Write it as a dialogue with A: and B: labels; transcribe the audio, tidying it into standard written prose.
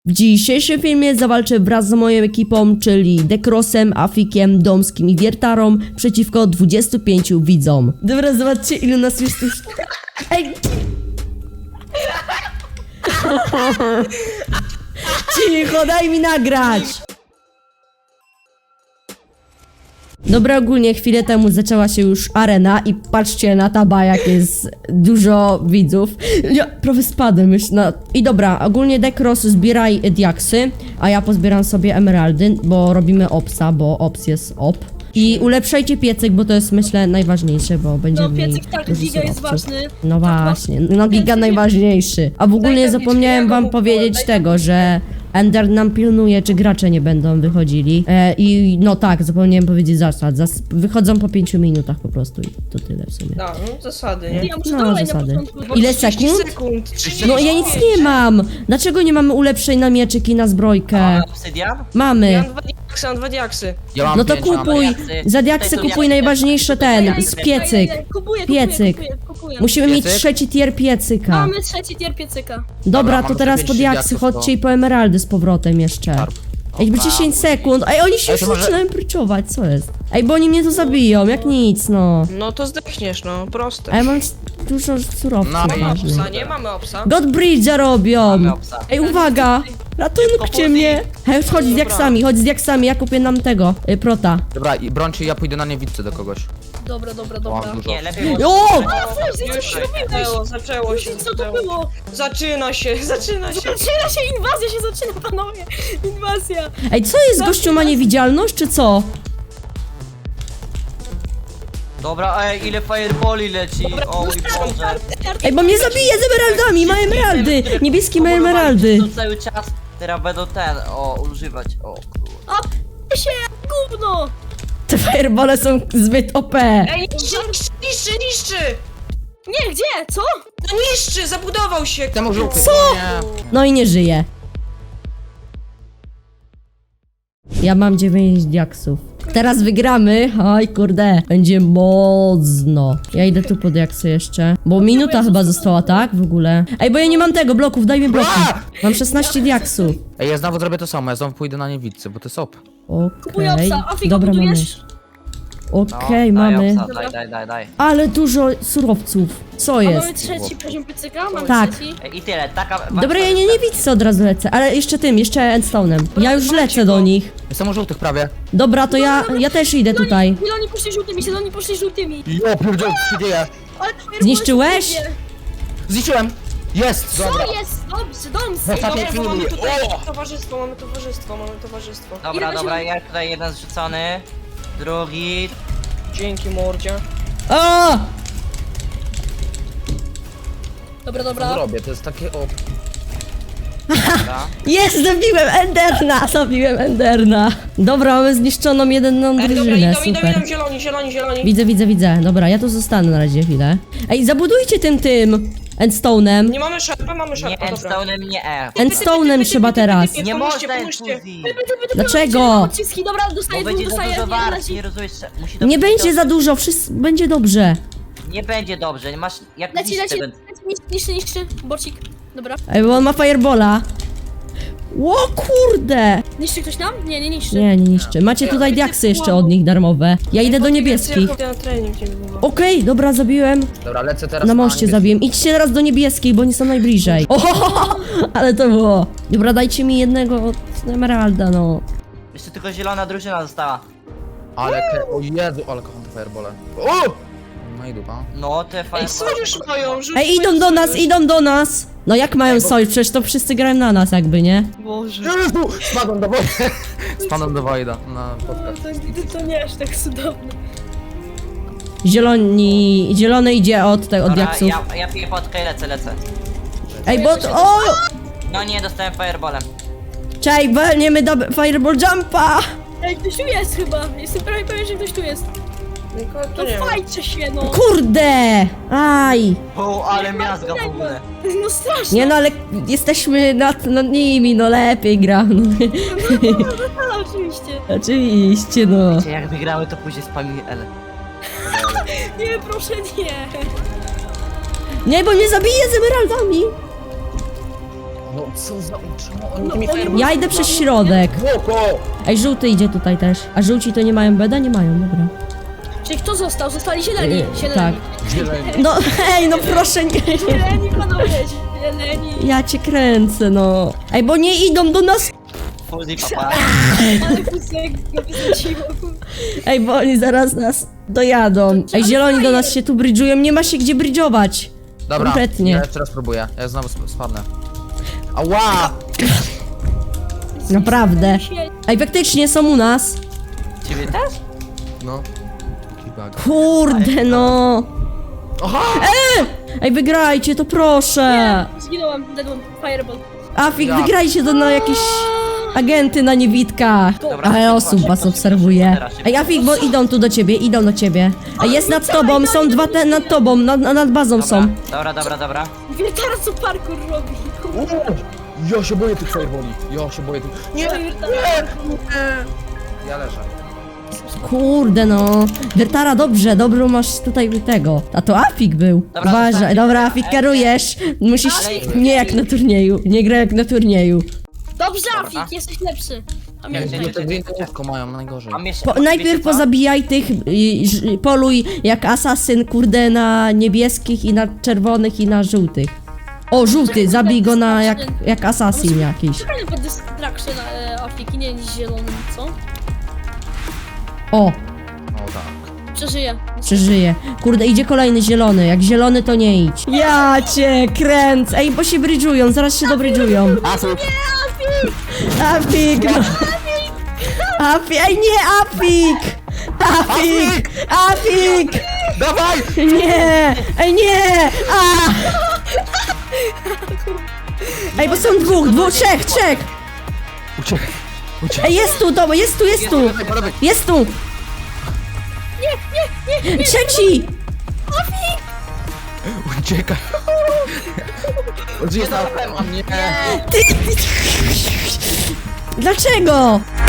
A: W dzisiejszym filmie zawalczę wraz z moją ekipą, czyli Dekrosem, Afikiem, Domskim i Wiertarą przeciwko 25 widzom. Dobra, zobaczcie ilu nas jest już... Ej! Cicho, daj mi nagrać! Dobra, ogólnie chwilę temu zaczęła się już arena i patrzcie na taba, jak jest dużo widzów. Ja prawie spadłem już na... I dobra, ogólnie Dekros zbieraj diaksy, a ja pozbieram sobie emeraldy, bo robimy opsa, bo ops jest op. I ulepszajcie piecyk, bo to jest myślę najważniejsze, bo będzie
B: No
A: mniej
B: piecyk tak,
A: dużo
B: giga jest
A: surowców.
B: ważny.
A: No właśnie, no giga najważniejszy. A w ogóle
B: Daj
A: zapomniałem wam powiedzieć tego, że Ender nam pilnuje, czy gracze nie będą wychodzili. I no tak, zapomniałem powiedzieć zasad. Wychodzą po 5 minutach po prostu i to tyle w sumie.
C: No, zasady, nie?
B: Ja muszę
A: No,
B: dalej
A: zasady.
B: na początku.
A: Ile
C: 30
A: sekund?
C: sekund? 30
A: No ja nic nie mam! Dlaczego nie mamy ulepszeń na mieczyk i na zbrojkę?
D: Obsydian?
C: Ja
A: Mamy.
C: mam dwa diaksy.
D: Ja mam
A: No to
D: 5, mam
A: kupuj.
D: diaksy.
A: Za diaksy
D: Tutaj są
A: kupuj
D: diaksy.
A: najważniejsze ten, z piecyk.
B: Kupuję.
A: Musimy mieć
D: Piecyk?
A: trzeci tier piecyka.
B: Mamy trzeci tier piecyka.
A: Dobra,
D: mamy
A: to teraz
D: te
A: po
D: 5
A: diaksy
D: diaksów,
A: chodźcie i po emeraldy z powrotem jeszcze. Ej, bo 10 sekund. Ej, oni się
D: Ej,
A: już
D: to może-
A: zaczynają pryczować, co jest? Ej, bo oni mnie tu zabiją, jak nic, no.
C: No to zdechniesz, no, proste.
A: A ja mam dużo surowców
D: No,
C: Mamy
A: ważnych.
C: opsa, nie? Mamy opsa.
A: Godbridge'a robią!
D: Mamy obsa.
A: Ej, uwaga! Ratuncie mnie! Hej, chodź z diaksami, ja kupię nam tego, prota.
D: Dobra, i brońcie, ja pójdę na niewidce do kogoś.
B: Dobra.
D: Mam dużo.
E: Nie, lepiej
A: O!
C: Już zaczęło się.
B: Co to było?
C: Zaczyna się.
B: Zaczyna się inwazja, się zaczyna, panowie. Inwazja.
A: Ej, co jest? Gościu ma niewidzialność, czy co?
E: Dobra, ej, ile fireballi leci, o mój Boże.
A: Ej, bo mnie zabije z emeraldami, ma emeraldy! Niebieski ma emeraldy!
E: To cały czas, teraz będą używać, o kurwa.
B: A się gówno.
A: Te firebole są zbyt OP.
C: Ej, niszczy!
B: Nie, gdzie? Co?
C: No niszczy, zabudował się.
D: Temu żółty.
A: Co? No i nie żyje. Ja mam 9 diaksów. Teraz wygramy. Oj, kurde. Będzie mocno. Ja idę tu po diaksy jeszcze. Bo minuta chyba została, tak? W ogóle. Ej, bo ja nie mam tego, bloków, daj mi bloki. Mam 16 diaksów.
D: Ej, ja znowu zrobię to samo, ja znowu pójdę na niewidce, bo to jest op.
B: Kupuję
A: Okej.
B: obsa. Afiko,
A: Dobra, mamy.
B: budujesz?
A: Okej,
E: No,
A: mamy.
E: Daj.
A: Ale dużo surowców. Co
B: A mamy
A: jest?
B: trzeci poziom piecyka? Mamy
A: Tak.
B: trzeci.
E: I tyle, taka...
A: Dobra, ja nie widzę, od razu lecę. Ale jeszcze endstone'em. Ja już lecę do nich.
D: Jestem żółtych prawie.
A: Dobra, to ja też idę tutaj.
B: Zieloni poszli żółtymi.
D: Jo, pierdziel, co się dzieje?
B: Ale to jest
A: Zniszczyłeś?
D: Zniszczyłem! Jest! Dobra.
B: Co jest? Dobrze, Domsy.
D: Ostatnie
C: Dobra, bo mamy
D: chwili.
C: tutaj
D: O!
C: towarzystwo.
E: Dobra, ja tutaj jeden zrzucony, drugi...
C: Dzięki mordzie.
A: O!
B: Dobra.
D: Zrobię, to jest takie op.
E: Dobra.
A: Jest, zabiłem Enderna. Dobra, mamy zniszczoną jedną
C: Ej, dobra,
A: drużynę,
C: idą,
A: super.
C: zieloni.
A: Widzę. Dobra, ja tu zostanę na razie chwilę. Ej, zabudujcie tym endstone'em.
C: Nie mamy szarpa,
E: Nie
C: dobra.
E: Endstone'em, nie E.
A: Endstone'em trzeba teraz.
E: Nie
C: Pomóżcie,
E: można
C: pomóżcie.
E: infuzji.
A: Dlaczego?
B: Odciski, dobra,
E: Bo
B: dostaję
E: będzie za dużo warstw,
B: razie.
E: nie rozumiesz, musi to
A: Nie
E: być
A: będzie
E: dobrze.
A: za dużo, wszystko będzie dobrze.
E: Nie będzie dobrze, nie masz... Jak
B: Leci,
E: niszczy
B: niszczy, borcik. Dobra.
A: Ej, bo on ma firebola. O kurde!
B: Niszczy ktoś nam? Nie niszczy.
A: Nie niszczy. Macie tutaj diaksy jeszcze od nich darmowe. Ja idę do niebieskich.
C: Ja na trening niedługo.
A: Okej, dobra, zabiłem.
D: Dobra, lecę teraz
A: Na moście
D: niebieski.
A: zabiłem. Idźcie teraz do niebieskich, bo oni są najbliżej. O, ale to było. Dobra, dajcie mi jednego emeralda, no.
E: Jeszcze tylko zielona drużyna została.
D: O Jezu, ale kocham te firebole. O! No i dupa.
E: No, te
C: Ej,
E: fajne...
C: sojusz mają,
A: Ej, idą do nas. No jak mają sojusz? Przecież to wszyscy grają na nas jakby, nie?
C: Boże.
D: Jezu! Spadłem do wody. Spadłem do Wojda na podcast.
B: To nie aż tak cudowne.
A: Zielony idzie od
E: Dobra,
A: diaksów.
E: ja piję potkę i lecę.
A: Ej, bo... O!
E: No nie, dostałem fireballem.
A: Czaj, walniemy do Fireball Jumpa!
B: Ej, ktoś tu jest chyba. Jestem prawie pewien, że ktoś tu jest.
C: Nikogo tu
B: No
C: nie ma.
B: fajcie się, no.
A: Kurde! Aj!
E: O, ale miazga w ogóle.
B: No strasznie.
A: Nie no, ale jesteśmy nad nimi, no lepiej gram.
B: No, oczywiście.
A: Oczywiście, no.
E: Wiecie, jak wygrały, to później spamili L.
B: Nie, proszę nie.
A: Nie, bo mnie zabije z emeraldami.
D: No co za... Czemu oni tymi fireballami...
A: Ja idę przez środek.
D: Błoko!
A: Ej, żółty idzie tutaj też. A żółci to nie mają beda? Nie mają, dobra.
B: Czyli kto został? Zostali zieleni. Zieleni.
A: Tak.
D: Zieleni.
A: No hej, no proszę nie.
B: Zieleni, panowie, zieleni.
A: Ja cię kręcę, no. Ej, bo nie idą do nas.
E: Fuzji papa.
B: Ale kusek napisaciło.
A: Ej, bo oni zaraz nas dojadą. Ej, zieloni do nas się tu brydżują, nie ma się gdzie brydżować.
D: Dobra,
A: Kompletnie.
D: ja jeszcze raz próbuję. Ja znowu spadnę. Ała!
A: Naprawdę. Ej, faktycznie są u nas.
E: Ciebie też?
D: No. Taki bug.
A: Kurde, no.
D: Aha!
A: Ej, wygrajcie to proszę.
B: Zginąłem, deadłem, fireball.
A: Afik,
D: Ja.
A: wygrajcie to na jakieś agenty na niewitkach.
E: Dobra,
A: Ale osób was obserwuje.
E: Teraz się
A: Ej, Afik, bo idą tu do ciebie, idą do ciebie. Ej, jest nad tobą, są dwa te nad tobą, nad bazą są.
E: Dobra.
B: Wie teraz co parkour robi.
D: Ja się boję tych fireballi. Ja się boję tych... Nie! Ja leżę.
A: Kurde no. Wiertara, dobrze masz tutaj tego. A to Afik był.
E: Dobra,
A: Uważaj,
E: zostań.
A: dobra, Afik, kierujesz. Musisz, nie jak na turnieju, nie gra jak na turnieju.
B: Dobrze,
E: Dobra.
B: Afik, jesteś lepszy. A
E: Nie,
B: mnie
E: nie,
D: Nie,
E: nie.
D: te dwie łóżko mają najgorzej.
E: Mam jeszcze...
A: Najpierw
E: wiecie co?
A: pozabijaj tych, poluj jak asasyn, kurde, na niebieskich i na czerwonych i na żółtych. O, żółty, zabij go na jak asasin jakiś.
B: Czekaj pod distraction Afiki, nie niż zielonym, co?
A: O,
D: O tak.
B: Przeżyję.
A: przeżyje. Kurde, idzie kolejny zielony, jak zielony to nie idź. Ja cię kręcę. Ej, bo się brydżują, zaraz się dobrydżują. Afik, no. Afik, ej nie, Afik! Afik! Afik!
D: Dawaj!
A: Nie! Ej nie! A! Ej, bo są trzech!
D: Uciekaj.
A: Ej, jest tu, to, jest tu!
D: Po lewej.
A: Jest tu! Nie! Trzeci!
D: Uciekaj. On jest na... A nie.
A: Dlaczego?